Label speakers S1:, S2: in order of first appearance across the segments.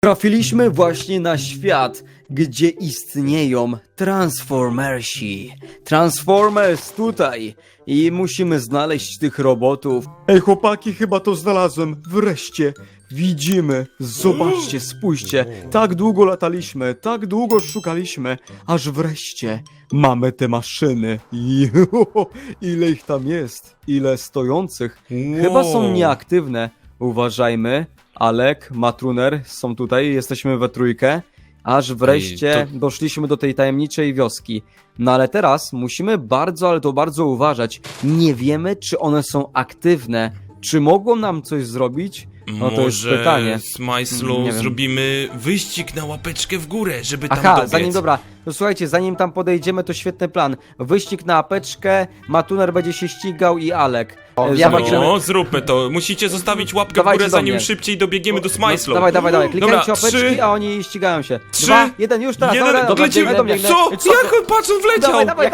S1: Trafiliśmy właśnie na świat, gdzie istnieją Transformersi. Transformers tutaj i musimy znaleźć tych robotów. Ej chłopaki, chyba to znalazłem. Wreszcie widzimy. Zobaczcie, spójrzcie. Tak długo lataliśmy, tak długo szukaliśmy, aż wreszcie mamy te maszyny. Ile ich tam jest? Ile stojących? Chyba są nieaktywne. Uważajmy. Alek, Matruner są tutaj, jesteśmy we trójkę, aż wreszcie doszliśmy do tej tajemniczej wioski. No ale teraz musimy bardzo, ale to bardzo uważać. Nie wiemy, czy one są aktywne. Czy mogą nam coś zrobić? No to jest pytanie.
S2: Z Majslą zrobimy wyścig na łapeczkę w górę, żeby tam
S1: Aha,
S2: dobiec.
S1: to słuchajcie, zanim tam podejdziemy, to świetny plan. Wyścig na apeczkę, Matuner będzie się ścigał i Alek.
S2: No, zróbmy to. Musicie zostawić łapkę w górę, zanim szybciej dobiegniemy do Smajslu.
S1: Dawaj, klikajcie
S2: Dobra,
S1: łapeczki,
S2: 3,
S1: a oni ścigają się.
S2: 3,
S1: 2, 1, już teraz. Dobra,
S2: lecimy.
S1: biegnę do mnie.
S2: Co? Jak on, patrz, on wleciał!
S1: Dawaj,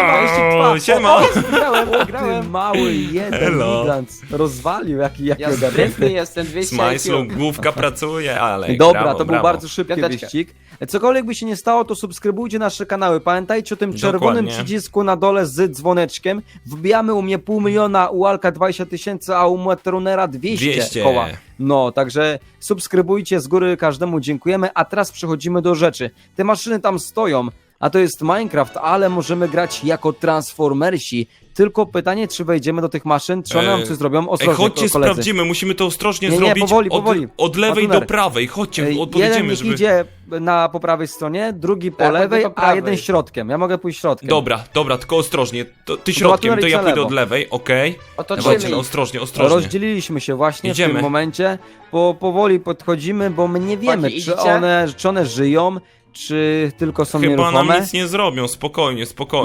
S2: Siema!
S1: Grałem. Mały jeden
S2: Elo.
S1: gigant rozwalił, jaki
S3: Ja sprytny
S1: ogarnięty.
S3: jestem, 200
S2: Smajslu,
S3: IQ.
S2: główka pracuje, ale
S1: Dobra,
S2: brawo,
S1: to był
S2: brawo.
S1: bardzo szybki
S3: Piąteczkę.
S1: wyścig. Cokolwiek by się nie stało, to subskrybujcie nasze kanały. Pamiętajcie o tym czerwonym
S2: Dokładnie.
S1: przycisku na dole z dzwoneczkiem. Wbijamy u mnie 500 000, u Alka 20 000, a u Matrunera 200 koła. No, także subskrybujcie z góry, każdemu dziękujemy, a teraz przechodzimy do rzeczy. Te maszyny tam stoją, a to jest Minecraft, ale możemy grać jako Transformersi. Tylko pytanie, czy wejdziemy do tych maszyn, czy one nam coś zrobią? Ostrożnie,
S2: chodźcie,
S1: koledzy.
S2: sprawdzimy, musimy to ostrożnie
S1: Nie,
S2: zrobić.
S1: powoli.
S2: Od lewej
S1: Matuner.
S2: do prawej, chodźcie,
S1: Jeden
S2: podjedziemy,
S1: niech
S2: żeby...
S1: idzie po prawej stronie, drugi po
S3: Tak,
S1: lewej,
S3: po
S1: a
S3: prawej.
S1: jeden środkiem. Ja mogę pójść środkiem.
S2: Dobra, tylko ostrożnie. Ty środkiem,
S1: Matuner
S2: to
S1: idź
S2: ja
S1: na
S2: pójdę
S1: lewo.
S2: od lewej, okej?
S3: Otoczymy
S2: Dawajcie,
S3: ich.
S2: ostrożnie.
S1: Rozdzieliliśmy się właśnie w
S2: Idziemy.
S1: tym momencie, bo powoli podchodzimy, bo my nie wiemy,
S3: Chodźcie,
S1: czy
S3: idziecie?
S1: one żyją, czy tylko są
S2: Chyba
S1: nieruchome.
S2: nam nic nie zrobią, spokojnie.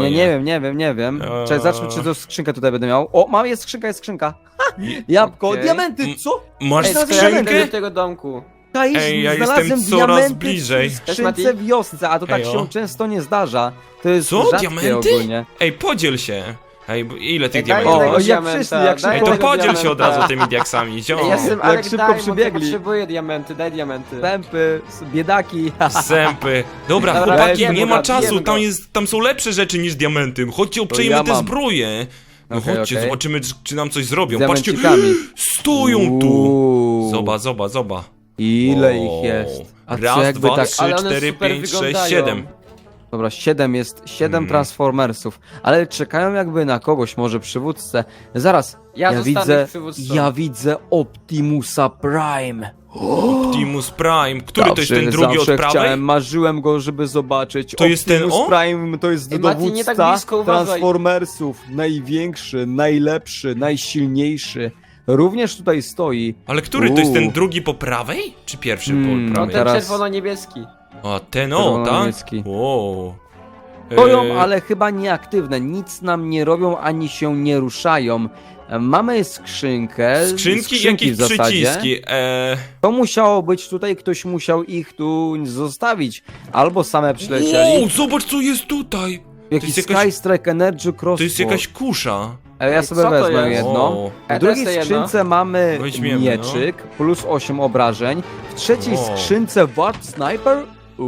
S1: Nie wiem. Czekaj, zobaczmy, czy to skrzynkę tutaj będę miał. O, jest skrzynka. Ha! Jabłko,
S3: Okej.
S1: diamenty, co?
S2: Masz
S3: Ej, to ja
S2: skrzynkę?
S3: idę do tego domku.
S2: Ej, ja
S1: Znalazłem
S2: jestem coraz
S1: diamenty
S2: bliżej.
S1: w skrzynce w wiosce, a to tak
S2: Ejo.
S1: się często nie zdarza. To jest
S2: Co?
S1: rzadkie
S2: Diamenty?
S1: ogólnie.
S2: Ej, podziel się. Ej, ile tych
S3: Daj
S2: diamentów?
S3: tego
S1: O, jak
S3: diamenta,
S1: wszyscy, jak
S3: daj
S2: Ej,
S1: szybko
S2: to
S3: tego
S2: podziel się od
S3: diamenta.
S2: razu tymi diaksami, ziom.
S3: Ej, jestem
S1: Jak
S3: Alek,
S1: szybko
S3: daj, bo
S1: przybiegli.
S3: potrzebuję diamenty, daj diamenty.
S1: Pępy, biedaki.
S2: Zępy. Dobra,
S3: Dobra,
S2: chłopaki,
S3: bijemy
S2: nie ma
S3: go,
S2: czasu,
S3: bijemy go.
S2: tam są lepsze rzeczy niż diamenty. Chodźcie, obczajmy
S1: ja
S2: te
S1: mam.
S2: zbroje. No
S1: Okej,
S2: chodźcie,
S1: okej.
S2: zobaczymy, czy nam coś zrobią.
S1: Z
S2: Patrzcie,
S1: diamencikami.
S2: stoją tu.
S1: Uuu.
S2: Zobacz.
S1: Ile
S2: O.
S1: ich jest? A co
S2: Raz,
S1: jakby
S2: dwa,
S1: tak...
S2: 3,
S3: Ale one
S2: 4,
S3: super
S2: 5, 6,
S3: wyglądają.
S2: 7.
S1: Dobra, 7 jest, 7 Transformersów, ale czekają jakby na kogoś, może przywódcę. Zaraz,
S3: Ja zostanę
S1: widzę,
S3: ich przywódcą.
S1: ja widzę Optimusa Prime.
S2: Optimus Prime. Który to jest ten drugi od
S1: zawsze
S2: prawej?
S1: chciałem, marzyłem go, żeby zobaczyć.
S2: To jest ten
S1: Optimus
S2: on?
S1: Prime to jest
S3: Ej, Mati, nie
S1: dowódca
S3: tak blisko, uważaj.
S1: Transformersów. Największy, najlepszy, najsilniejszy. Również tutaj stoi.
S2: Ale który to jest ten drugi po prawej? Czy pierwszy po
S3: No
S2: prawej?
S3: ten
S1: teraz-
S3: czerwono-niebieski.
S2: A ten tak?
S1: Czerwono-niemiecki.
S2: Wow.
S1: Stoją, ale chyba nieaktywne. Nic nam nie robią, ani się nie ruszają. Mamy skrzynkę.
S2: Skrzynki i
S1: skrzynki
S2: jakieś
S1: w zasadzie.
S2: przyciski.
S1: To musiało być tutaj, ktoś musiał ich tu zostawić. Albo same przylecieli.
S2: Wow, zobacz co jest tutaj.
S1: Jakiś
S2: jest jakaś-
S1: Skystrike Energy Crossbow.
S2: To jest jakaś kusza.
S1: Ja sobie
S3: Co to
S1: wezmę
S3: jest?
S1: jedno.
S2: O.
S1: W drugiej
S3: Też to
S1: skrzynce mamy
S2: Weźmiemy,
S1: mieczyk, plus 8 obrażeń. W trzeciej
S2: O.
S1: skrzynce Ward Sniper.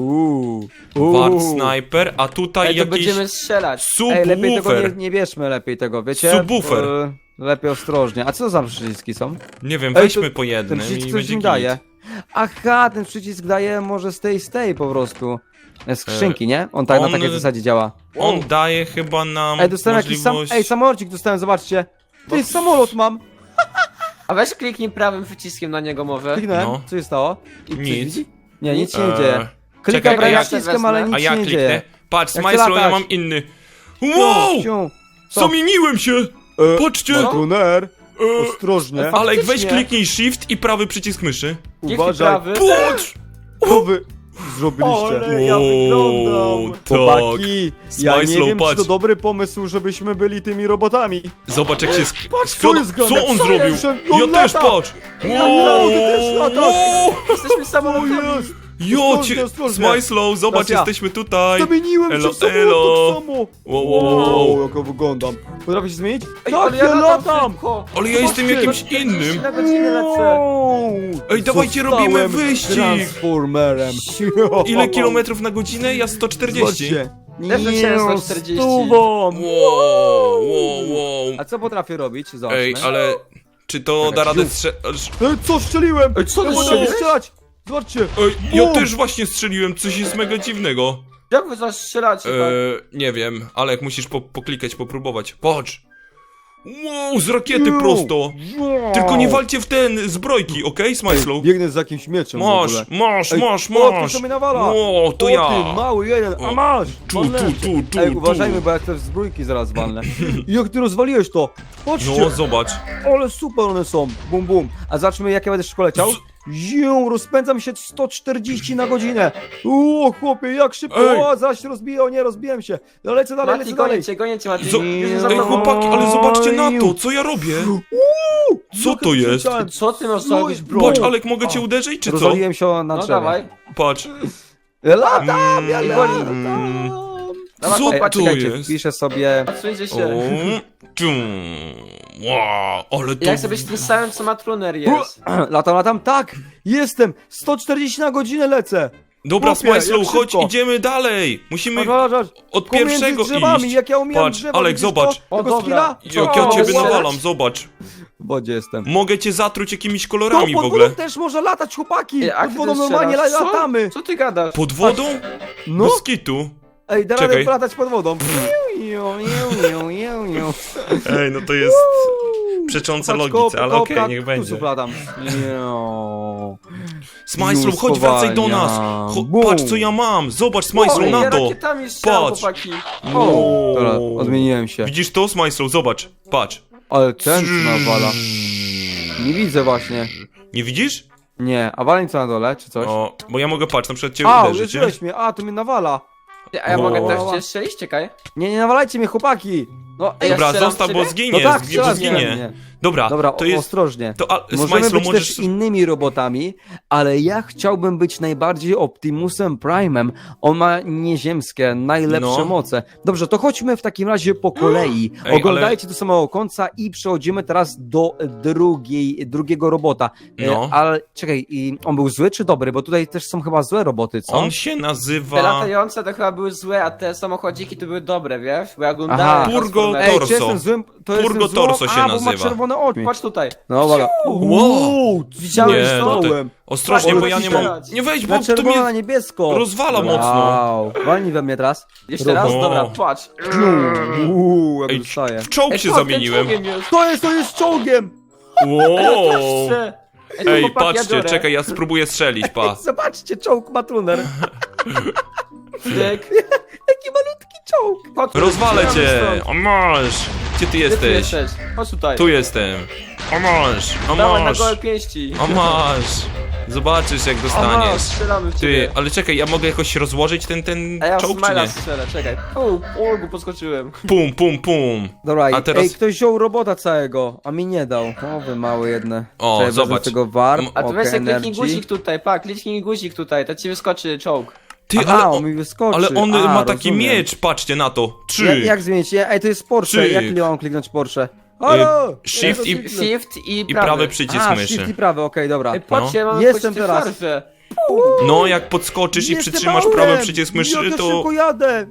S2: Ward Sniper, a tutaj
S3: Ej, to
S2: jakiś
S3: będziemy strzelać.
S1: Ej, lepiej tego
S2: subwoofer.
S1: nie bierzmy, lepiej tego, wiecie?
S2: Subwoofer.
S1: Lepiej ostrożnie. A co to za przyciski są?
S2: Nie wiem,
S1: Ej,
S2: weźmy
S1: to-
S2: po jednym
S1: Ten przycisk
S2: i
S1: coś
S2: będzie
S1: mi
S2: git.
S1: daje. Aha, ten przycisk daje może z tej po prostu. Skrzynki, nie? On tak na
S2: on-
S1: takiej zasadzie działa.
S2: On daje chyba nam
S1: Ej, dostałem jakiś
S2: możliwość...
S1: samolocik dostałem, zobaczcie. Ty, samolot mam.
S3: A weź kliknij prawym przyciskiem na niego może.
S1: Kliknąłem,
S2: No.
S1: co się stało? I coś
S2: Nic.
S1: widzi? Nie, nic się nie
S2: Eee,
S1: dzieje. Klikam
S2: czekaj,
S1: prawym
S2: ja-
S1: przyciskiem, ale nic
S2: A ja
S1: się nie
S2: kliknę.
S1: dzieje.
S2: Patrz,
S1: Jak
S2: Smajslo,
S1: chcę
S2: ja
S1: latać.
S2: mam inny. Wow!
S1: Ciu. Co?
S2: Zamieniłem się! Patrzcie!
S1: Matuner,
S2: E,
S1: ostrożnie.
S2: Alek, weź
S3: Faktycznie.
S2: kliknij shift i prawy przycisk myszy.
S3: Kliknij
S1: Uważaj.
S3: prawy.
S2: Patrz!
S1: Głowy. zrobiliście.
S3: Ale ja wyglądam.
S1: Chłopaki, ja nie
S2: Smajslow,
S1: wiem, czy to
S2: patrz.
S1: dobry pomysł, żebyśmy byli tymi robotami.
S2: Zobacz jak się
S1: co jest grane?
S2: Co on
S1: Co
S2: zrobił?
S1: jest? On
S2: Ja też,
S1: lata.
S2: patrz!
S1: Wow, ty też latasz.
S3: Jesteśmy samolotami.
S1: jest!
S2: Jo,
S1: Ostrożnie, ostrożnie.
S2: Smajslow, zobacz,
S1: Teraz ja.
S2: jesteśmy tutaj!
S1: Zamieniłem
S2: Elo,
S1: się w samolot
S2: elo.
S1: tak samo!
S2: Wow.
S1: jak ja wyglądam. Potrafisz się zmienić?
S3: Ej,
S1: Tak,
S3: ale
S1: ja latam!
S3: szybko.
S2: Ale ja jestem
S1: Zobaczcie.
S2: jakimś innym!
S3: Na godzinę lecę.
S1: Wow.
S2: Ej, dawajcie,
S1: Zostałem
S2: robimy wyścig.
S1: Transformerem.
S2: Ile kilometrów na godzinę? Ja 140.
S1: Zobaczcie.
S3: Też leciałem 140.
S1: Stówą.
S2: Wow.
S1: A co potrafię robić? Zobaczmy.
S2: Ej, ale czy to da radę
S1: Ej, co strzeliłem?
S3: Ej, co ty
S1: Ja potrafię
S3: strzeliłeś?
S1: strzelać! Zobaczcie.
S2: Ej, ja
S1: Bum.
S2: też właśnie strzeliłem, coś jest mega dziwnego.
S3: Jak wy zastrzelacie, tak?
S2: Nie wiem, ale jak musisz poklikać, popróbować. Patrz! Wow, z rakiety
S1: Wow.
S2: prosto! Tylko nie walcie w ten zbrojki, okej, Smajslow?
S1: Biegnę z jakimś mieczem w
S2: Masz,
S1: ogóle.
S2: masz,
S1: Ej,
S2: masz,
S1: O, ktoś
S2: masz!
S1: to mnie nawala!
S2: Wow, to
S1: o,
S2: ja!
S1: ty mały jeden, a
S2: O,
S1: masz!
S2: tu,
S1: Walnę
S2: tu,
S1: cię.
S2: tu,
S1: Ej,
S2: tu.
S1: uważajmy, bo jak te zbrójki zaraz walnę. Jak ty rozwaliłeś to? Patrzcie!
S2: No, zobacz.
S1: Ale super one są! Bum, bum. A zobaczmy, jak ja będę szybko leciał. Ziu, rozpędzam się 140 na godzinę. O, chłopie, jak szybko!
S2: Ej.
S1: O, zaś rozbiję, o nie, rozbiję się. No lecę dalej,
S3: Mati,
S1: lecę dalej.
S3: gonię cię, Mati.
S2: Zo-
S3: Już za
S2: Ej,
S3: mną.
S2: chłopaki, ale zobaczcie na to, co ja robię! Co
S1: Jak
S2: to
S1: ja
S2: jest?
S1: przeleciałem.
S3: Co ty masz
S1: No
S3: zrobić,
S1: i-
S3: bro?
S2: Patrz, Alek, mogę cię uderzyć, czy co?
S1: Rozwaliłem się na
S3: No
S1: drzewie.
S3: dawaj.
S2: Patrz.
S1: Latam, ja
S2: Mm.
S1: latam.
S3: Dawaj,
S2: Co
S1: Ej, a
S2: to
S1: czekajcie,
S2: jest?
S1: wpiszę sobie...
S3: Odsuńcie
S2: O,
S3: się.
S2: wow, ale to...
S3: Jak sobie tym samym, co Matruner jest.
S1: Latam, tak! Jestem! 140 na godzinę lecę!
S2: Dobra,
S1: Chłopie, jak
S2: Smajslow, chodź,
S1: szybko.
S2: idziemy dalej! Musimy
S1: Patrz.
S2: od
S1: Pomiędzy
S2: pierwszego
S1: drzewami,
S2: iść.
S1: jak ja umiem
S2: Patrz,
S1: drzewa,
S2: Alek,
S1: widzisz
S2: zobacz.
S1: To?
S3: O,
S1: Tego
S3: dobra.
S1: skilla?
S2: Jak ja
S3: O,
S2: ciebie
S3: strzelać?
S2: nawalam, zobacz.
S1: W wodzie jestem.
S2: Mogę cię zatruć jakimiś
S1: To
S2: kolorami w
S1: pod
S2: ogóle.
S1: wodą też można latać, chłopaki!
S3: Ej, a
S1: Pod
S3: ty
S1: wodą
S3: też
S1: normalnie
S3: strzelasz?
S1: latamy!
S3: Co ty gadasz?
S2: Pod wodą?
S1: No,
S2: Bez kitu.
S1: ej, da
S2: Czekaj.
S1: radę polatać pod wodą.
S2: Ej, no to jest przeczące logice, ale okej, niech będzie.
S1: Latam.
S2: Smajslow,
S1: Już
S2: chodź, wracaj do nas.
S1: spowalniam. Bum.
S2: Patrz, co ja mam. Zobacz, Smajslow,
S3: Ej,
S2: na
S3: ja
S2: to.
S3: rakietami strzelam,
S2: Patrz.
S3: chłopaki.
S2: Wow.
S1: Dobra, odmieniłem się.
S2: Widzisz to, Smajslow? Zobacz, patrz.
S1: Ale ten co nawala. Nie widzę właśnie.
S2: Nie widzisz?
S1: Nie, a waleń co na dole, czy coś?
S2: O, bo ja mogę, patrz, na przykład cię
S1: A,
S2: uderzyć, nie?
S1: uderzyłeś mnie, a, to mnie nawala.
S3: A ja mogę
S2: O.
S3: też cię strzelić? Czekaj.
S1: Nie nawalajcie mnie, chłopaki. No, ej,
S2: Dobra,
S3: strzelam
S2: zostaw,
S3: w
S2: bo
S3: ciebie?
S2: zginie,
S1: no tak,
S2: bo
S1: strzelaj
S2: zginie.
S1: mnie.
S2: Dobra,
S1: Dobra,
S2: to jest...
S1: ostrożnie.
S2: To,
S1: Możemy
S2: Smajslow,
S1: być
S2: możesz...
S1: też innymi robotami, ale ja chciałbym być najbardziej Optimusem Prime'em. On ma nieziemskie, najlepsze
S2: No.
S1: moce. Dobrze, to chodźmy w takim razie po kolei.
S2: Ej,
S1: Oglądajcie do samego końca i przechodzimy teraz do drugiego robota.
S2: No.
S1: Ale czekaj, i on był zły czy dobry? Bo tutaj też są chyba złe roboty, co?
S2: On się
S3: Te
S2: nazywa...
S3: latające to chyba były złe, a te samochodziki to były dobre, wiesz? Bo ja
S1: Aha.
S3: oglądałem
S2: Purgo
S3: Transformersy.
S1: Ej,
S2: Torso.
S1: czy jestem złym? To jestem
S2: Purgo
S1: złą?
S2: Torso się
S1: A, bo ma
S2: nazywa.
S1: czerwone oczy.
S3: Chodź tutaj.
S1: No dobra.
S2: Wow.
S3: Widziałeś
S2: Nie, no
S3: to?
S2: to... Ostrożnie,
S3: Patrz,
S2: bo ja nie mam...
S3: strzelać.
S2: Nie wejdź, bo
S1: Na
S2: to
S1: czerwono, na
S2: mnie
S1: niebiesko.
S2: rozwala mocno.
S1: Wow. Walnij we mnie teraz.
S3: Jeszcze raz?
S2: O.
S3: Dobra, patrz.
S1: Jak
S2: Ej,
S1: dostaję.
S2: w czołg się
S3: patrz,
S2: zamieniłem.
S3: ten czołgiem jest.
S1: To jest czołgiem!
S2: Wow.
S3: Chcę. to
S2: Ej,
S3: chłopaki, ja
S2: patrzcie,
S3: biorę.
S2: czekaj, ja spróbuję strzelić, pa.
S1: Zobaczcie, czołg ma tuner.
S3: Tyk.
S1: Jaki malutki czołg.
S3: Chodź tu,
S2: Rozwalę
S3: strzelamy
S2: cię!
S3: stąd.
S2: O masz! Gdzie ty
S3: Gdzie ty
S2: jesteś?
S3: jesteś? Chodź tutaj.
S2: Tu jestem. O masz! O
S3: Dawaj na
S2: masz!
S3: gołe pięści.
S2: O masz! Zobaczysz jak
S3: O,
S2: dostaniesz.
S3: strzelamy w
S2: Ty,
S3: ciebie.
S2: ale czekaj, ja mogę jakoś rozłożyć ten
S3: A ja w
S2: czołg czy
S3: Smila
S2: nie?
S3: strzelę, czekaj. Ulgu, podskoczyłem.
S2: Pum, pum, pum.
S1: Dobra,
S2: A teraz-
S1: ej, ktoś wziął robota całego, a mi nie dał. O, wy małe jedne.
S2: O,
S1: Czekaj, wezmę
S2: zobacz.
S1: tego warp,
S2: M-
S3: A tu
S1: okej,
S3: weź sobie kliknij
S1: energy.
S3: guzik tutaj, pa, kliknij guzik tutaj, to ci wyskoczy czołg.
S2: Ty,
S1: Aha,
S2: ale
S1: on mi wyskoczy.
S2: ale on
S1: A,
S2: ma taki
S1: rozumiem.
S2: miecz, patrzcie na to.
S1: Jak zmienić? Ej, to jest Porsche,
S2: Trzy.
S1: jak ile mam kliknąć Porsche? Halo!
S2: shift
S1: Ja
S2: i-
S1: to kliknę.
S3: Shift i
S2: I
S3: prawy.
S2: prawy przycisk
S1: A,
S2: myszy.
S1: shift i prawy, okej, dobra.
S3: Ej, patrzcie, ja mam
S1: Jestem
S3: jakąś
S1: teraz.
S3: farfę.
S2: No, jak podskoczysz i
S1: Jestem
S2: przytrzymasz
S1: małem!
S2: prawy przycisk myszy,
S1: Jak ja
S2: to...
S1: szybko jadę!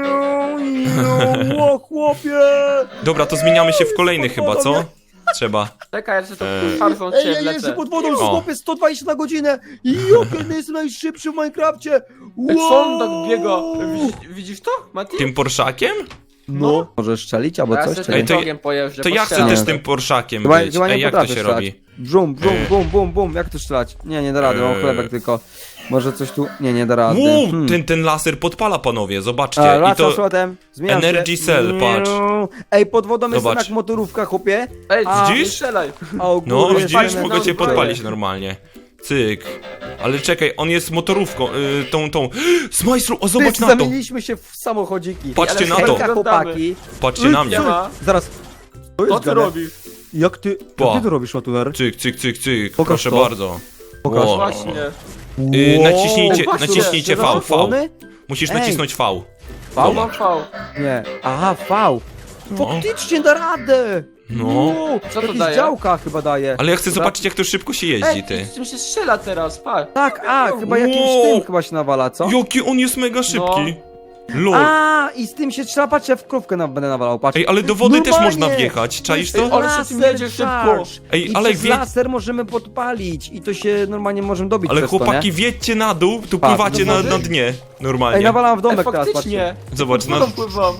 S1: O, chłopie!
S2: Dobra, to zmieniamy się w kolejny chyba, co? Trzeba.
S3: Czekaj, ja się tą
S2: Eee.
S3: farfą
S1: Ej,
S3: cię
S1: ja jeżdżę
S3: wlecę.
S1: pod wodą,
S2: O.
S1: chłopie, 120 na godzinę! Jokie, jestem najszybszy w Minecrafcie!
S3: Jak on tak biega. Widzisz to, Mati?
S2: Tym Porszakiem?
S1: No. Możesz strzelić albo
S3: Ja
S1: coś,
S3: sobie
S1: czy
S2: Ej,
S3: tym
S1: nie?
S2: to-
S3: czołgiem pojeżdżę,
S2: To ja chcę
S3: postrzelam.
S2: też tym Porszakiem
S1: Chyba,
S2: być.
S1: chyba nie
S2: Ej, jak to
S1: potrafię
S2: się
S1: strzelać.
S2: robi?
S1: Brum, bum, jak to strzelać? Nie da rady, mam chlebek tylko. Może coś tu... Nie da rady.
S2: Wow, ten laser podpala, panowie, zobaczcie. I
S1: Raz
S2: to...
S1: slotem, zmieniam
S2: Energy
S1: się.
S2: Cell, patrz.
S1: Ej, pod wodą jestem
S2: Zobacz.
S1: jak motorówka, chłopie.
S3: Ej,
S1: A,
S3: nie
S2: widzisz?
S3: strzelaj.
S1: A u
S2: No,
S1: góry jest
S2: widzisz,
S1: fajne
S2: mogę cię
S1: zbroje.
S2: podpalić normalnie. Cyk. Ale czekaj, on jest motorówką, tą. Smajslu, o
S1: Ty,
S2: zobacz na to.
S1: zamieniliśmy się w samochodziki.
S2: Patrzcie na
S3: Ale
S2: to.
S1: Hejka, chłopaki.
S2: Patrzcie na mnie.
S3: Siema.
S1: Zaraz. To jest
S3: Co ty
S1: gadane.
S3: robisz?
S1: Jak ty to robisz, Matuner?
S2: Cyk, cyk, cyk, cyk.
S1: Pokaż
S2: Proszę
S1: to.
S2: bardzo.
S1: Pokaż.
S2: Wow.
S3: Właśnie.
S2: Naciśnijcie,
S3: Patrzcie,
S2: naciśnijcie V, V.
S1: Telefony?
S2: Musisz
S1: Ej.
S2: nacisnąć V.
S1: V?
S3: Mam V.
S1: Nie. Aha, V. Faktycznie da radę.
S2: No.
S1: Wow,
S3: Co to
S1: jakieś
S3: daje?
S1: działka chyba daje.
S2: Ale ja chcę zobaczyć, jak to szybko się jeździ,
S3: Ej,
S2: ty.
S3: z czym się strzela teraz, patrz.
S1: Tak, chyba jakimś
S2: Wow.
S1: tym chyba się nawala, co?
S2: Jaki on jest mega szybki. Lol.
S1: I z tym się trzeba, patrz, ja w krówkę będę nawalał, patrz.
S2: Ej, ale do wody też
S1: Normalnie.
S2: można wjechać, czaisz
S3: Ej,
S2: to?
S3: ale się tym jedzie szybko.
S2: Ej,
S1: I
S2: ale
S1: przez
S2: wie-
S1: laser możemy podpalić i to się normalnie możemy dobić
S2: Ale
S1: przez
S2: chłopaki,
S1: to, nie?
S2: wjedźcie na dół, tu
S1: Patrz,
S2: pływacie
S3: do
S2: na
S3: wody?
S2: dnie.
S1: Ej,
S2: Normalnie.
S1: nawalam w
S3: Ej,
S1: domek teraz, patrzcie.
S3: faktycznie.
S2: Zobacz,
S3: No
S2: na...
S3: pływam.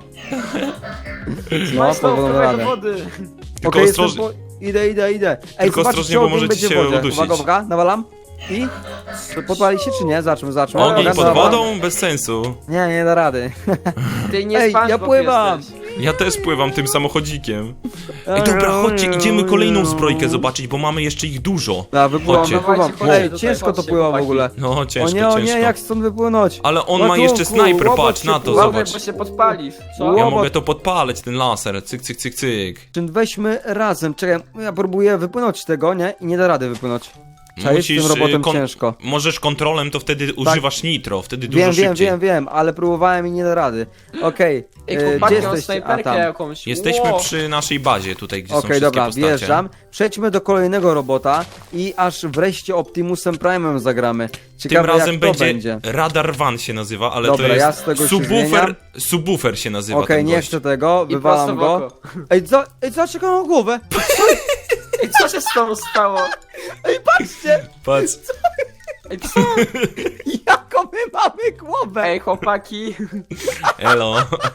S1: No,
S3: Smajslow,
S1: powolną
S3: wpływaj
S1: radę.
S3: do wody.
S2: Tylko
S1: Okej, jestem
S2: ostrożnie.
S1: Idę. Ej,
S2: Tylko
S1: zobaczcie,
S2: ostrożnie, bo
S1: ogień
S2: możecie
S1: będzie w
S2: się
S1: wodzie.
S2: udusić.
S1: Uwaga, nawalam. I? Podpali się czy nie? Zobaczmy.
S2: Ogień
S1: Uwaga,
S2: pod
S1: nawalam.
S2: wodą? Bez sensu.
S1: Nie da rady.
S3: Ty nie
S1: Ej, ja
S3: SpongeBob
S1: pływam.
S3: jesteś.
S2: Ja też pływam tym samochodzikiem. Ej, dobra, chodźcie, idziemy kolejną zbrojkę zobaczyć, bo mamy jeszcze ich dużo.
S1: Wypływam.
S2: Chodźcie.
S3: Dawajcie,
S1: Ej,
S3: tutaj,
S1: ciężko to
S3: chodźcie,
S1: pływa w
S3: chłopaki.
S1: ogóle.
S2: No, ciężko,
S1: O nie,
S2: ciężko.
S1: jak stąd wypłynąć?
S2: Ale on ma
S1: Ratunku,
S2: jeszcze snajper,
S1: łobot
S2: patrz
S1: się
S2: na to,
S1: pływa.
S3: Uważaj,
S2: zobacz.
S3: bo się podpalisz. Co?
S1: Ło-
S2: Ja
S1: Łobot.
S2: mogę to podpalać, ten laser. Cyk, cyk, cyk, cyk.
S1: Weźmy razem. Czekaj, ja próbuję wypłynąć z tego, nie? I nie da rady wypłynąć. Czaisz, z tym robotem ciężko.
S2: Możesz kontrolem, to wtedy używasz nitro, wtedy dużo
S1: Wiem,
S2: szybciej.
S1: wiem, ale próbowałem i nie da rady. Okej,
S3: Ej,
S1: gdzie
S3: chłopaki, mam
S1: jesteście?
S3: snajperkę jakąś.
S2: Jesteśmy
S3: Ło.
S2: przy naszej bazie tutaj, gdzie są
S1: Okej,
S2: wszystkie
S1: dobra,
S2: postacie.
S1: wjeżdżam. Przejdźmy do kolejnego robota i aż wreszcie Optimusem Prime'em zagramy.
S2: Tym
S1: Ciekawe
S2: razem
S1: jak to będzie.
S2: Radar Van się nazywa, ale
S1: Dobra,
S2: to
S1: ja
S2: jest
S1: z tego się
S2: subwoofer,
S1: zmieniam.
S2: subwoofer się nazywa
S1: Okej,
S2: ten
S1: nie
S2: gość.
S1: chcę tego,
S3: I
S1: wywalam
S3: prosto w
S1: go.
S3: oko.
S1: Ej, co czekam na głowę?
S3: Ej, co się z tobą stało?
S1: Ej, patrzcie,
S2: Patrz.
S3: Ej, co?
S1: jaką my mamy głowę.
S3: Ej, chłopaki.
S2: Elo.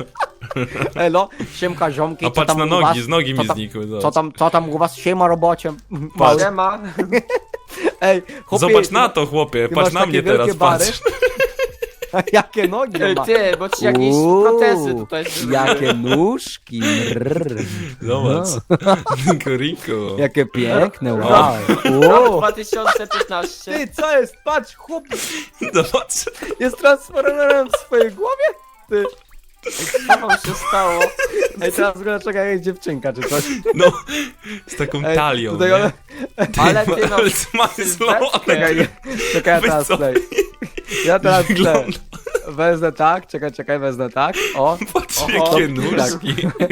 S1: Elo, siemka ziomki,
S2: A
S1: co
S2: patrz
S1: tam
S2: na
S1: u
S2: nogi,
S1: was?
S2: z nogi
S1: Co
S2: mi
S1: tam-
S2: znikły.
S1: Co tam u was? Siema robocie.
S2: Patrz.
S3: Siema.
S1: Ej, chłopie,
S2: Zobacz na to, chłopie,
S1: ty
S2: patrz
S1: masz
S2: na
S1: takie
S2: mnie
S1: wielkie
S2: teraz,
S1: bary?
S2: patrz.
S1: Jakie nogi
S3: Ej,
S1: ma.
S3: ty, bo ci jakieś
S1: Uuu,
S3: protezy tutaj zrobiły.
S1: Jakie nóżki. Rrr.
S2: Zobacz.
S1: No.
S2: Rico.
S1: Jakie piękne, wow.
S3: Rok
S1: Wow.
S3: 2015.
S1: Ty, co jest? Patrz, chłop
S2: Zobacz.
S1: jest transformerem w swojej głowie? Ty.
S3: Co wam się stało?
S1: Ej, teraz wygląda czekaj, jak dziewczynka czy coś.
S2: No, z taką
S1: Ej,
S2: talią,
S1: tutaj
S2: nie?
S1: one...
S3: Ale ty no,
S2: Ale smajslo,
S1: Czekaj, czekaj, ja
S2: Weź
S1: teraz
S2: co?
S1: play. Ja teraz play.
S2: Wygląda.
S1: Wezmę tak, czekaj, wezmę tak. O.
S2: Patrz,
S1: Oho,
S2: jakie
S1: tak.
S2: nóżki.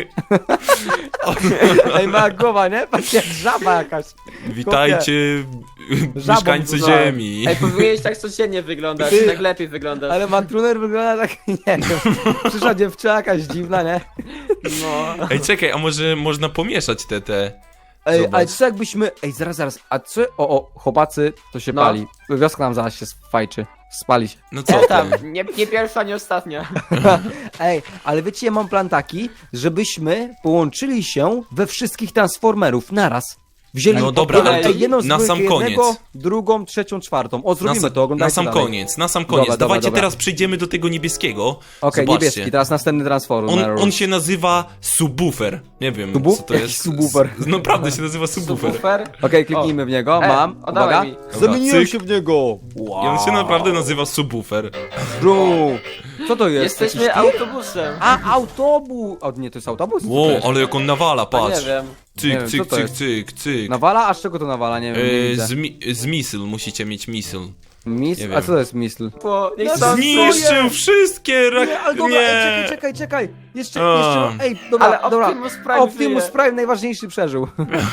S1: Ej, ma głowa, nie? Patrz jak żaba jakaś.
S2: Witajcie,
S1: Żabą
S2: mieszkańcy
S1: dużo.
S2: Ziemi.
S3: Ej, powinieneś tak codziennie wyglądać,
S1: Ty-
S3: tak lepiej wyglądasz.
S1: Ale Mantruner wygląda tak, nie wiem. Przyszła dziewczyna jakaś dziwna, nie?
S3: No.
S2: Ej, czekaj, a może można pomieszać te...
S1: Ej,
S2: Zobacz.
S1: ale co jakbyśmy... Ej, zaraz. A co... O, chłopacy, to się
S3: No.
S1: pali. Wioska nam zaraz się fajczy. Spali się.
S2: No co
S3: Co
S2: ty?
S3: tam? Nie pierwsza, nie ostatnia.
S1: Ej, ale wiecie, ja mam plan taki, żebyśmy połączyli się we wszystkich Transformerów naraz. Wzięli
S2: No dobra,
S3: ale to
S1: jedną
S2: na sam
S1: zbrojkę jednego,
S2: koniec.
S1: drugą, trzecią, czwartą. O, zrobimy to,
S2: Na
S1: oglądajcie
S2: sam
S1: dalej.
S2: koniec, na sam koniec.
S1: Dobra,
S2: Dawajcie
S1: dobra.
S2: teraz przejdziemy do tego niebieskiego.
S1: Okej,
S2: Zobaczcie.
S1: niebieski, teraz następny Transformer.
S2: On się nazywa subwoofer. Nie wiem, co to
S1: Jaki
S2: jest.
S1: subwoofer?
S2: Naprawdę się nazywa subwoofer.
S3: Super.
S1: Okej, kliknijmy w niego, mam.
S3: oddawaj
S1: Uwaga.
S3: mi.
S1: Zamieniłem
S2: cyk.
S1: się w niego. Wow.
S2: I on się naprawdę nazywa subwoofer.
S1: Bro. Co to jest?
S3: Jesteśmy
S1: Jakiś-
S3: autobusem.
S1: autobus. O, nie, to jest autobus? Co to
S2: Wow,
S1: jest?
S2: ale jak on nawala,
S3: A
S2: patrz.
S3: nie wiem.
S1: Nie
S2: Cyk,
S1: wiem,
S2: cyk,
S1: co to
S2: cyk,
S1: jest?
S2: cyk, cyk.
S1: Nawala? A z czego to nawala? Nie wiem, nie widzę.
S2: Z misyl, musicie mieć misyl.
S1: Mis?
S2: nie
S1: A
S2: wiem.
S1: co to jest misl?
S3: Bo niech
S1: No
S3: stąd
S2: Zniszczył wszystkie
S1: Nie, ale dobra, ej, czekaj. Jeszcze,
S2: A.
S1: ej, dobra,
S3: Ale
S1: dobra.
S3: Optimus Prime
S1: Optimus
S3: żyje.
S1: Prime najważniejszy przeżył.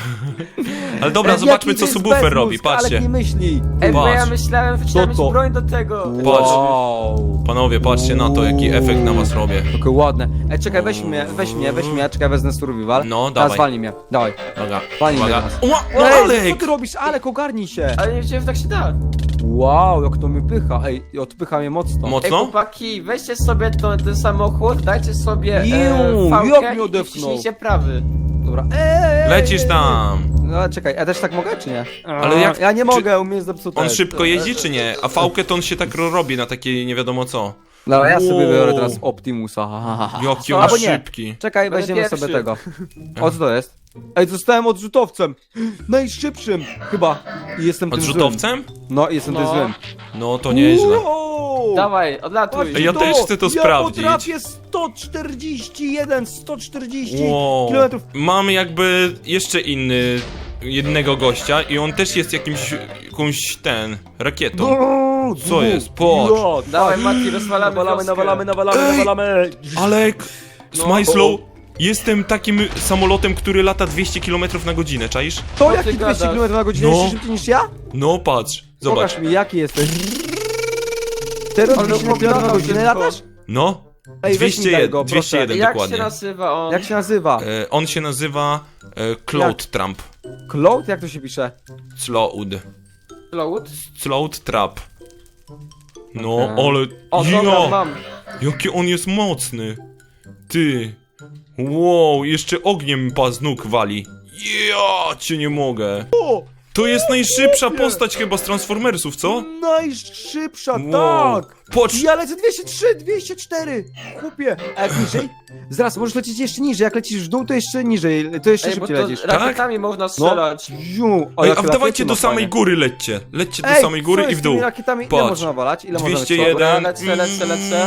S2: Ale dobra,
S1: Ej,
S2: zobaczmy
S1: jaki
S2: co
S1: jest
S2: subwoofer
S1: bezmózg,
S2: robi,
S1: Ale
S2: patrzcie.
S1: nie myśli.
S3: Ej, bo ja
S2: Patrz.
S3: myślałem, że
S1: Co
S3: trzeba mieć
S1: to?
S3: broń do tego.
S2: Patrz.
S1: Wow.
S2: Panowie, patrzcie na to, jaki efekt na was robię.
S1: Takie ładne. Ej, czekaj, weź mnie, czekaj, wezmę survival.
S2: No,
S1: Teraz
S2: dawaj.
S1: walnij mnie, dawaj.
S2: Uwaga,
S1: Walnij mnie
S2: uwaga.
S1: teraz.
S2: O,
S1: Ej, co
S2: Alek!
S1: ty robisz? Alek, ogarnij się.
S3: Ale nie wiedziałem, że tak się da.
S1: Wow, jak to mnie pycha. Ej, odpycha mnie mocno.
S3: Ej,
S2: Mocno?
S3: chłopaki, weźcie sobie ten samochód, dajcie sobie
S1: Iu,
S3: fałkę
S1: jak mnie
S3: i
S1: odepchnął.
S3: wciśnijcie prawy.
S1: Dobra. Ej!
S2: Lecisz tam.
S1: No ale czekaj, ja też tak mogę, czy nie?
S2: Ale jak-
S1: Ja nie
S2: czy-
S1: mogę, u mnie jest zepsute.
S2: On szybko jeździ czy nie? A fałkę to on się tak robi na takie nie wiadomo co.
S1: Dobra, ja sobie
S2: Wow.
S1: biorę teraz Optimusa.
S2: Jaki
S3: Co?
S2: on
S1: Albo nie.
S2: szybki.
S1: Czekaj,
S3: Będę
S1: weźmiemy
S3: pierwszy.
S1: sobie tego. O, co to jest? Ej, zostałem odrzutowcem. Najszybszym chyba. I jestem tym złym.
S2: Odrzutowcem?
S1: No, jestem tym
S3: No.
S1: złym.
S2: No to nieźle.
S1: Wow!
S3: Dawaj, odlatuj.
S1: Patrzcie
S2: Ja też chcę to sprawdzić.
S1: Ja potrafię 140
S2: Wow.
S1: kilometrów.
S2: Mamy jakby jeszcze jednego gościa i on też jest jakąś rakietą. Co jest? Patrz.
S3: Dawaj, Mati, rozwalamy
S1: Nawalamy.
S2: Alek,
S3: No.
S2: Smajslow, jestem takim samolotem, który lata 200 km na godzinę, czaisz?
S1: To
S3: Co
S1: jaki
S3: ty
S1: 200
S3: gadasz?
S1: km na godzinę
S2: No.
S1: jeszcze szybciej niż ja?
S2: No patrz, zobacz.
S1: Pokaż mi, jaki jesteś. Teraz
S3: Ale
S1: 200 km na
S3: opowiadał
S1: godzinę
S3: tylko.
S1: latasz?
S2: No,
S1: Ej, weź mi daj
S2: 201,
S1: go, proszę.
S2: 201
S3: Jak
S2: dokładnie.
S3: się nazywa on?
S1: Jak się nazywa?
S2: On się nazywa Cloud Trump.
S1: Cloud? Jak to się pisze?
S3: Cloud?
S2: Cloud Trap. No,
S1: Okej.
S2: ale...
S3: O, dobra,
S2: Ja,
S3: mam.
S2: jaki on jest mocny. Ty. Wow, jeszcze ogniem z nóg wali. Ja cię nie mogę.
S1: O!
S2: To jest najszybsza postać chyba z Transformersów, co?
S1: Najszybsza,
S2: Wow.
S1: tak!
S2: Patrz,
S1: Ja lecę 203, 204! Chłopie! A jak niżej? Zaraz, możesz lecieć jeszcze niżej. Jak lecisz w dół, to jeszcze niżej. To jeszcze
S3: Ej, bo
S1: szybciej
S3: to
S1: lecisz.
S3: rakietami można strzelać.
S1: Ziu,
S2: ej,
S1: jakie
S2: a wdawajcie
S1: rakiety
S2: do
S1: ma
S2: samej
S1: fajne.
S2: góry lećcie. Lećcie do
S1: Ej,
S2: samej góry
S1: co
S2: i
S1: jest
S2: w
S1: z tymi
S2: dół.
S1: rakietami? Ile
S2: Patrz.
S1: można nawalać? Ile można
S2: 201.
S3: Dobra, lecę.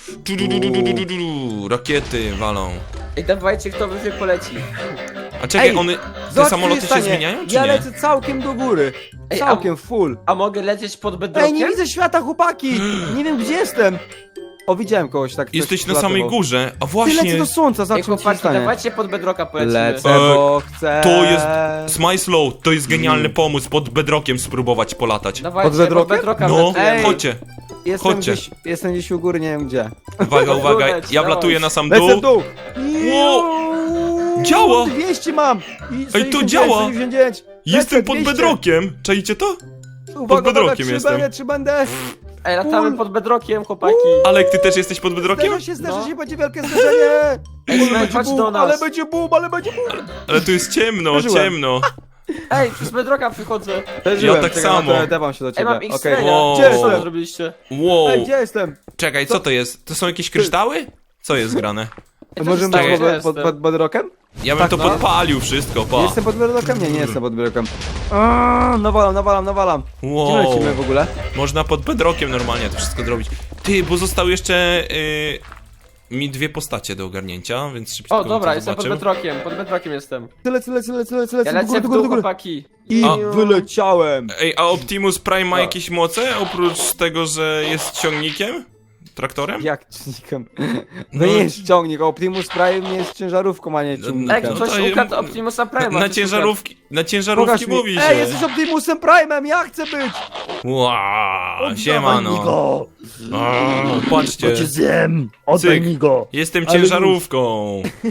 S2: Rakiety walą.
S3: Ej, dawajcie, kto wyżej poleci.
S2: A czekaj,
S1: Ej,
S2: te
S1: Zobacz, co
S2: samoloty
S1: się
S2: się
S1: stanie.
S2: zmieniają, czy
S1: Ja
S2: nie?
S1: lecę całkiem do góry.
S3: Ej,
S1: Całkiem full.
S3: A mogę lecieć pod
S1: Ej,
S3: bedrockiem?
S1: nie widzę świata, chłopaki! Nie wiem, gdzie jestem. O, widziałem kogoś tak.
S2: Jesteś
S1: coś
S2: na samej
S1: latywał.
S2: górze, a
S1: Ty
S2: właśnie...
S1: lecę do słońca,
S3: Ej,
S1: zobaczmy, co się
S3: chłopaki,
S1: stanie.
S3: dawajcie pod bedrocka polecimy.
S1: Lecę, bo chcę.
S2: To jest... Smajslow, to jest genialny pomysł, pod bedrockiem spróbować polatać.
S3: Dawajcie,
S1: Pod bedrockiem?
S3: bedrocka
S2: No,
S3: wlatujemy.
S1: Ej.
S2: chodźcie. chodźcie.
S1: Jestem gdzieś u góry, nie wiem gdzie.
S2: Uwaga, uwaga,
S3: Leć,
S2: ja
S3: dawaj.
S2: wlatuję na sam
S1: Lecę w
S2: dół.
S1: dół!
S2: Wow. Działa.
S1: 200 mam! I
S2: Ej, to działa.
S1: 199.
S2: Jestem
S1: Lecę,
S2: pod
S1: 200.
S2: bedrockiem, czajcie to?
S1: Uwaga,
S2: bedrockiem
S1: uwaga,
S2: jestem.
S1: Czy będę?
S3: Ej, latamy
S1: Full.
S3: pod bedrockiem, chłopaki.
S2: Alek, ty też jesteś pod bedrockiem?
S1: Zderzę
S3: No.
S1: się, będzie wielkie zderzenie!
S3: Ej,
S1: Ale
S3: Smile,
S1: będzie
S3: chodź
S1: boom,
S3: do nas.
S1: ale będzie boom, ale będzie boom!
S2: Ale tu jest ciemno,
S1: Przeżyłem.
S2: ciemno.
S3: Ej, przez bedrocka przychodzę.
S1: Przeżyłem,
S2: tak
S1: czekaj,
S2: samo.
S1: Dawam się do
S3: Ej,
S1: ciebie.
S3: mam
S1: Okej.
S3: X-raya.
S2: Wow.
S1: Gdzie
S3: Co wy
S1: jestem?
S3: zrobiliście?
S2: Wow.
S1: Ej, gdzie jestem?
S2: Czekaj, co to jest? To są jakieś kryształy? Co jest grane?
S3: Ej,
S1: Możemy
S3: to
S1: być
S3: jest
S1: pod, pod bedrockiem?
S2: Ja bym
S1: Tak,
S2: to
S1: no.
S2: podpalił wszystko, pa.
S1: Jestem pod bedrockiem? Nie jestem pod bedrockiem. Nawalam. Gdzie
S2: Wow.
S1: lecimy w ogóle?
S2: Można pod bedrockiem normalnie to wszystko zrobić. Ty, bo zostały jeszcze mi dwie postacie do ogarnięcia, więc szybciutko
S3: O, dobra,
S2: to
S3: jestem pod
S2: zobaczył.
S3: bedrockiem, pod bedrockiem jestem.
S1: Lecę,
S3: Ja
S1: do
S3: lecę
S1: góry,
S3: w
S1: do
S3: dół,
S1: góry.
S3: chłopaki.
S1: I
S2: A.
S1: wyleciałem.
S2: Ej, a Optimus Prime ma jakieś moce, oprócz tego, że jest ciągnikiem? Traktorem?
S1: Jak ciągnikiem?
S2: No.
S1: To nie jest ciągnik, Optimus Prime nie jest ciężarówką, a nie
S3: Ej,
S1: ciągnikiem.
S2: No
S3: ktoś
S2: to-
S3: ukradł Optimusa Prime'a.
S2: Na
S3: ktoś
S2: ciężarówki
S1: Pokaż mi.
S2: mówi się.
S1: Ej, jesteś Optimusem Prime'em, ja chcę być!
S2: Wow,
S1: Oddawaj
S2: siemano.
S1: mi go!
S2: O, patrzcie,
S1: To cię zjem! Oddaj
S2: Cyk.
S1: mi go!
S2: jestem
S1: Ale
S2: ciężarówką.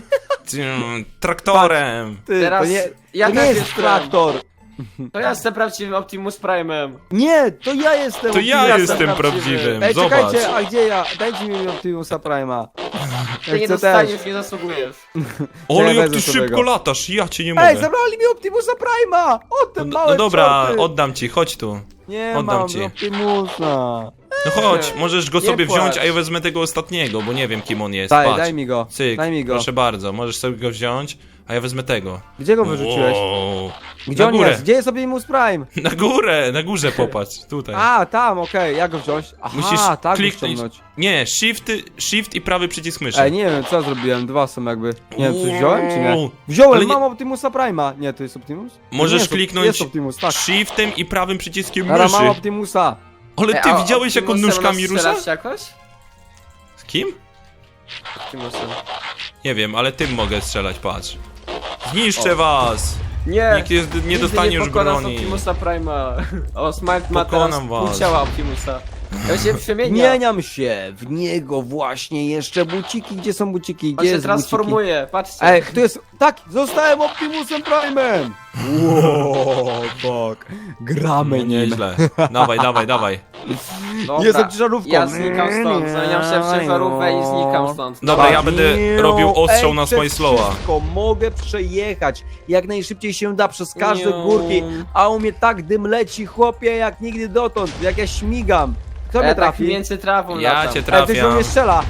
S2: Traktorem.
S1: Ty,
S3: Teraz
S1: to nie,
S3: ja
S1: to nie
S3: też
S1: jest
S3: jestem.
S1: traktor!
S3: To ja jestem prawdziwym Optimus Prime'em.
S1: Nie, to ja jestem
S2: To ja
S1: Optimusem.
S2: jestem
S3: prawdziwy.
S2: prawdziwym,
S1: Ej,
S2: zobacz.
S1: czekajcie, a gdzie ja? Dajcie mi Optimusa Prime'a.
S3: Ty
S1: Ja
S3: nie
S1: chcę też.
S3: dostaniesz, nie zasługujesz.
S2: Ole, jak
S1: wezmę
S2: ty
S1: sobie
S2: szybko
S1: go.
S2: latasz, ja cię nie mogę.
S1: Ej, zabrali mi Optimusa Prime'a! O, ten
S2: No,
S1: mały
S2: no dobra,
S1: czorty.
S2: oddam ci, chodź tu.
S1: Nie
S2: oddam
S1: mam
S2: ci.
S1: Optimusa.
S2: No chodź, możesz go
S3: Nie
S2: sobie wziąć,
S3: płacz.
S2: a ja wezmę tego ostatniego, bo nie wiem kim on jest.
S1: Daj,
S2: Patrz.
S1: daj mi go,
S2: Cyk,
S1: daj mi go.
S2: proszę bardzo, możesz sobie go wziąć, a ja wezmę tego.
S1: Gdzie go wyrzuciłeś?
S2: Wow.
S1: Gdzie
S2: Na
S1: on
S2: górę.
S1: jest? Gdzie jest Optimus Prime?
S2: Na górze popatrz, tutaj.
S1: A, tam, okej, jak go wziąć? Aha,
S2: Musisz
S1: tak go
S2: kliknąć.
S1: ściągnąć.
S2: Nie, shift i prawy przycisk myszy.
S1: Ej, nie wiem, co zrobiłem, dwa są jakby. Nie wiem, coś wziąłem, czy nie?
S2: Wow.
S1: Wziąłem,
S2: Ale nie-
S1: mam Optimusa Prime'a. Nie, to jest Optimus?
S2: Możesz
S1: Nie, jest,
S2: kliknąć
S1: Jest Optimus, tak.
S2: shiftem i prawym przyciskiem
S1: Teraz mam
S2: myszy.
S1: Optimusa.
S2: Ale ty
S3: Ej, a
S2: widziałeś jak on
S3: Optimusem
S2: nóżkami
S3: nas
S2: rusza?
S3: strzelasz jakoś?
S2: Z kim?
S3: Optimusem.
S2: Nie wiem, ale tym mogę strzelać, patrz. Zniszczę was!
S3: Nie!
S2: Nikt nie
S3: Nigdy
S2: dostanie
S3: nie
S2: już
S3: pokonasz
S2: broni.
S3: Optimusa Prime'a. O, Smart ma teraz
S2: Pokonam was.
S3: pół ciała Optimusa. Ja się przemienia.
S1: Zmieniam się w niego właśnie jeszcze buciki. Gdzie są buciki?
S3: On
S1: Gdzie
S3: się
S1: jest buciki?
S3: transformuje, patrzcie.
S1: Ej, tu jest... Tak, zostałem Optimusem Prime'em! Wow, fuck. Gramy
S2: No
S1: nim.
S2: nieźle. Dawaj.
S3: Dobra,
S1: Jestem ciężarówką.
S3: Ja znikam stąd, zamieniam się w ciężarówkę i znikam stąd.
S2: Dobra, ja będę robił ostrzał
S1: Ej,
S2: na
S1: przez
S2: Smajslowa.
S1: wszystko mogę przejechać jak najszybciej się da przez każde
S3: Niu.
S1: górki, a u mnie tak dym leci, chłopie, jak nigdy dotąd, jak ja śmigam. Kto mnie
S3: Ja tak
S1: trafi?
S3: między trawą
S2: Ja
S3: latam.
S2: cię
S1: Ej, ktoś do
S2: trafiam.
S1: mnie strzela.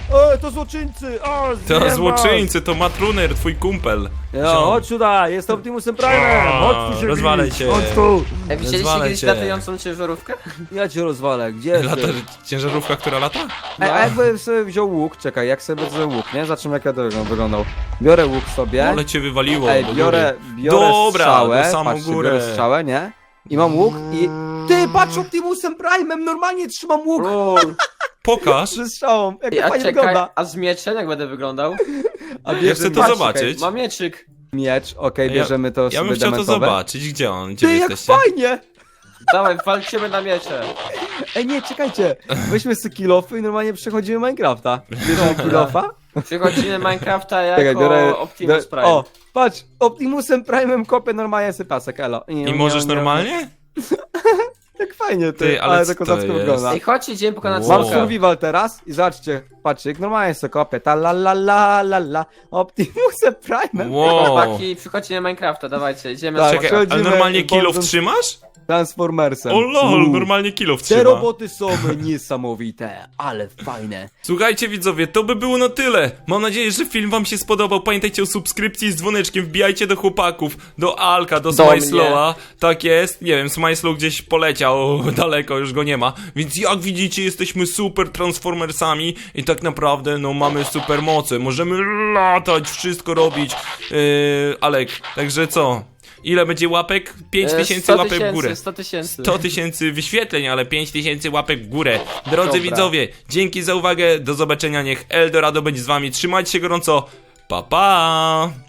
S1: To złoczyńcy! O,
S2: To
S1: zjem
S2: złoczyńcy, to Matruner, twój kumpel.
S1: was. Chodź tutaj, jest Optimusem Prime'em! Chodź tu się
S2: rozwalaj
S1: bić,
S2: cię.
S1: Chodź tu!
S3: Widzieliście
S2: Rozwalę
S3: kiedyś
S2: cię.
S3: latającą ciężarówkę?
S1: Ja cię rozwalę, gdzie
S2: Lata,
S1: jesteś?
S2: ciężarówka, która lata?
S1: A jakbym sobie wziął łuk, czekaj, jak sobie wezmę łuk, nie? Zobaczymy jak ja to wyglądał. Biorę łuk sobie.
S2: Ale cię wywaliło
S1: Ej,
S2: do
S1: biorę
S2: góry. Dobra,
S1: strzałę,
S2: do samą
S1: patrzcie,
S2: górę.
S1: biorę strzałę, nie? I mam łuk i... Ty, patrz Optimusem Prime'em, normalnie trzymam łuk
S2: Pokaż.
S1: ze strzałą, jak to
S3: A
S1: fajnie
S3: czekaj,
S1: wygląda.
S3: a z mieczem jak będę wyglądał?
S1: A
S2: Ja chcę to
S1: patrz,
S2: zobaczyć.
S3: Mam mieczyk.
S1: Miecz, okej, bierzemy to
S2: Ja
S1: sobie
S2: bym chciał to
S1: dementowe.
S2: zobaczyć. Gdzie on? Gdzie
S1: Ty,
S2: wy
S1: jak
S2: jesteście?
S1: fajnie!
S3: Dawaj, walczymy na miecze.
S1: Ej, nie, czekajcie, weźmy sobie kilofy i normalnie przechodzimy Minecrafta. Bierzemy kilofa.
S3: Przychodzimy Minecrafta
S1: Czekaj,
S3: jako
S1: biorę...
S3: Optimus Prime.
S1: O, patrz, Optimusem Prime'em kopię normalnie sobie pasek, elo.
S2: I możesz normalnie?
S1: Jak fajnie, ty,
S2: Ty, ale
S1: ale
S2: co
S1: to
S2: to
S1: kozacko
S2: jest?
S1: wygląda.
S3: Ej, chodźcie, idziemy pokonać
S2: Wow.
S1: Mam
S3: smoka.
S1: survival teraz i zobaczcie, patrzcie, jak normalnie sobie kopię, ta la la la la la, Optimusem Prime'em,
S2: Wow.
S3: Chłopaki, przychodźcie na Minecrafta, dawajcie, idziemy
S1: Tak.
S3: na smoka.
S2: Czekaj, ale
S1: Przechodzimy
S2: normalnie kilof
S1: Golden-
S2: trzymasz?
S1: Transformersem.
S2: O lol,
S1: Uuu.
S2: normalnie kilof
S1: Te
S2: trzyma.
S1: roboty są niesamowite, ale fajne.
S2: Słuchajcie widzowie, to by było na tyle. Mam nadzieję, że film wam się spodobał. Pamiętajcie o subskrypcji z dzwoneczkiem. Wbijajcie do chłopaków, do Alka, do Smajslowa. Tak jest, nie wiem, Smajslow gdzieś poleciał daleko, już go nie ma. Więc jak widzicie, jesteśmy super Transformersami i tak naprawdę, no mamy super moce. Możemy latać, wszystko robić. Alek, także co? Ile będzie łapek? 5000
S3: 100
S2: łapek w górę.
S3: 100 tysięcy.
S2: 100 tysięcy wyświetleń, ale 5000 łapek w górę. Drodzy
S3: Dobra.
S2: widzowie, dzięki za uwagę, do zobaczenia, niech Eldorado będzie z wami, trzymajcie się gorąco, pa pa!